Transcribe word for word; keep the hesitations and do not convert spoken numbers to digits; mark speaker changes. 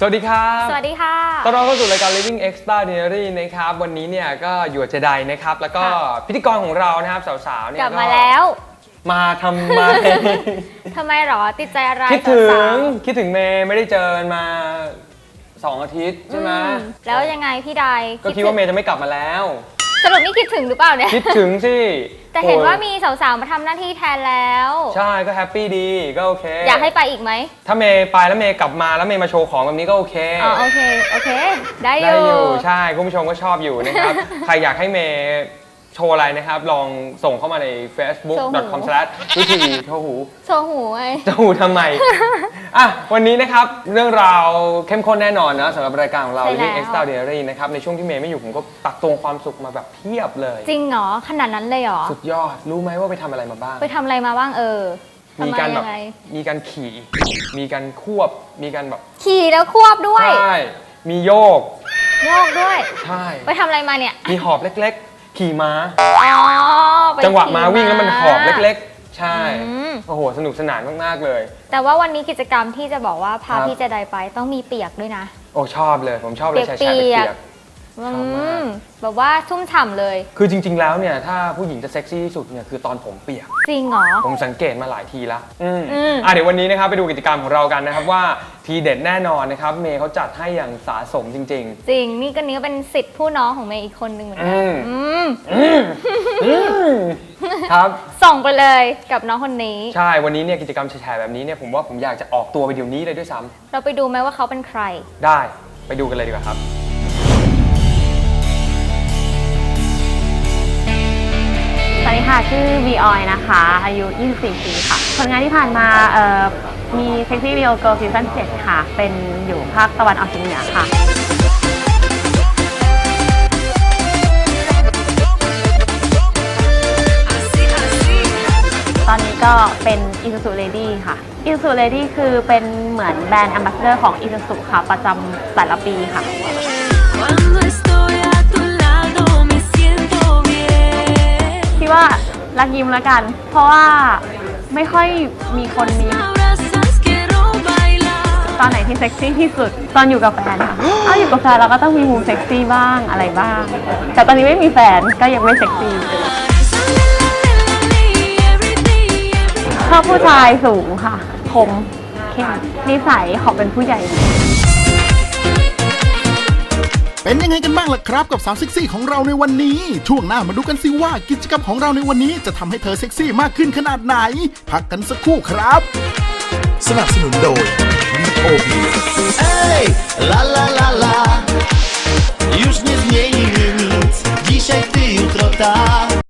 Speaker 1: วัสดีครับ
Speaker 2: สวัสดีค่ะ
Speaker 1: ต้อนรับเข้าสู่รายการ Living Extraordinary นะครับวันนี้เนี่ยก็อยู่กับเจไดนะครับแล้วก็พิธีกรของเรานะครับสาวๆเนี่ย
Speaker 2: กลับมาแล้ว
Speaker 1: มาทำไม
Speaker 2: ทำไมหรอติดใจอะไร
Speaker 1: คิดถึงคิดถึงเมย์ไม่ได้เจอกันมาสองอาทิตย์ใช่ไหม
Speaker 2: แล้วยังไงพี่ได
Speaker 1: ก็คิดว่าเมย์จะไม่กลับมาแล้ว
Speaker 2: สรุปนี่คิดถึงหรือเปล่าเนี่ย
Speaker 1: คิดถึงสิ
Speaker 2: แต่เห็นว่ามีสาวๆมาทำหน้าที่แทนแล้ว
Speaker 1: ใช่ก็แฮปปี้ดีก็โอเค
Speaker 2: อยากให้ไปอีกไหม
Speaker 1: ถ้าเมย์ไปแล้วเมย์กลับมาแล้วเมย์มาโชว์ของแบบนี้ก็โอเค
Speaker 2: อ๋อโอเคโอเคได้อยู่
Speaker 1: ได้อยู่ใช่คุณผู้ชมก็ชอบอยู่นะครับ ใครอยากให้เมย์โชว์อะไรนะครับลองส่งเข้ามาใน เฟซบุ๊ก ดอท คอม สแลช วิธีโชว์หู
Speaker 2: โชว์หูไง
Speaker 1: โชว์หูทำไม อ่ะวันนี้นะครับเรื่องราวเข้มข้นแน่นอนนะสำหรับรายการของเรา Living Extraordinary นะครับในช่วงที่เมย์ไม่อยู่ผมก็ตักตวงความสุขมาแบบเพียบเลย
Speaker 2: จริงเหรอขนาดนั้นเลยเหรอ
Speaker 1: สุดยอดรู้ไหมว่าไปทำอะไรมาบ้าง
Speaker 2: ไปทำอะไรมาบ้างเออ
Speaker 1: มีการแบบมีการขี่มีการควบมีการแบบ
Speaker 2: ขี่แล้วควบด้วย
Speaker 1: ใช่มีโยก
Speaker 2: โยกด้วย
Speaker 1: ใช่
Speaker 2: ไปทำอะไรมาเนี่ย
Speaker 1: มีหอบเล็กๆขี่ม้า
Speaker 2: อ๋อ
Speaker 1: จังหวะม้าวิ่งแล้วมันหอบเล็กๆใช่โอ้โหสนุกสนานมากๆเลย
Speaker 2: แต่ว่าวันนี้กิจกรรมที่จะบอกว่าพาพี่เจไดไปต้องมีเปียกด้วยนะ
Speaker 1: โอ้ชอบเลยผมชอบเลยแชร์เปียก
Speaker 2: แบบว่าชุ่มฉ่ำเลย
Speaker 1: คือจริงๆแล้วเนี่ยถ้าผู้หญิงจะเซ็กซี่ที่สุดเนี่ยคือตอนผมเปียก
Speaker 2: จริงเหรอ
Speaker 1: ผมสังเกตมาหลายทีแล้วอืมอ่ะเดี๋ยววันนี้นะครับไปดูกิจกรรมของเรากันนะครับว่าทีเด็ดแน่นอนนะครับเมย์เขาจัดให้อย่างสะสมจริงๆ
Speaker 2: จริงนี่ก็นี้ก็เป็นสิทธิ์ผู้น้องของเมย์อีกคนหนึ่งเหมือนกัน
Speaker 1: ครับ
Speaker 2: ส่งไปเลยกับน้องคนนี้
Speaker 1: ใช่วันนี้เนี่ยกิจกรรมแชร์แบบนี้เนี่ยผมว่าผมอยากจะออกตัวไปเดี๋ยวนี้เลยด้วยซ้
Speaker 2: ำเราไปดูไหมว่าเขาเป็นใคร
Speaker 1: ได้ไปดูกันเลยดีกว่าครับ
Speaker 3: สวัสดีค่ะชื่อวีออยนะคะอายุยี่สิบสี่ปีค่ะผลงานที่ผ่านมาเอ่อมีเซ็กซี่วิดีโอเกิร์ลซีซั่นเจ็ดค่ะเป็นอยู่ภาคตะวันออกเฉียงเหนือค่ะตอนนี้ก็เป็น Isuzu Lady ค่ะ Isuzu Lady คือเป็นเหมือนแบรนด์แอมบาสเดอร์ของ Isuzu ค่ะประจำแต่ละปีค่ะคิดว่ารักยิ้มแล้วกันเพราะว่าไม่ค่อยมีคนมีตอนไหนที่เซ็กซี่ที่สุดตอนอยู่กับแฟนค่ะอ้าวอยู่กับแฟนเราก็ต้องมีมุมเซ็กซี่บ้างอะไรบ้างแต่ตอนนี้ไม่มีแฟนก็ยังไม่เซ็กซี่ชอบผู้ชายสูงค่ะคมเข้มนิสัยขอเป็นผู้ใหญ่
Speaker 4: เป็นยังไงกันบ้างล่ะครับกับสาวเซ็กซี่ของเราในวันนี้ช่วงหน้ามาดูกันสิว่ากิจกรรมของเราในวันนี้จะทำให้เธอเซ็กซี่มากขึ้นขนาดไหนพักกันสักครู่ครับสนับสนุนโดย วี โอ บี เอ้ย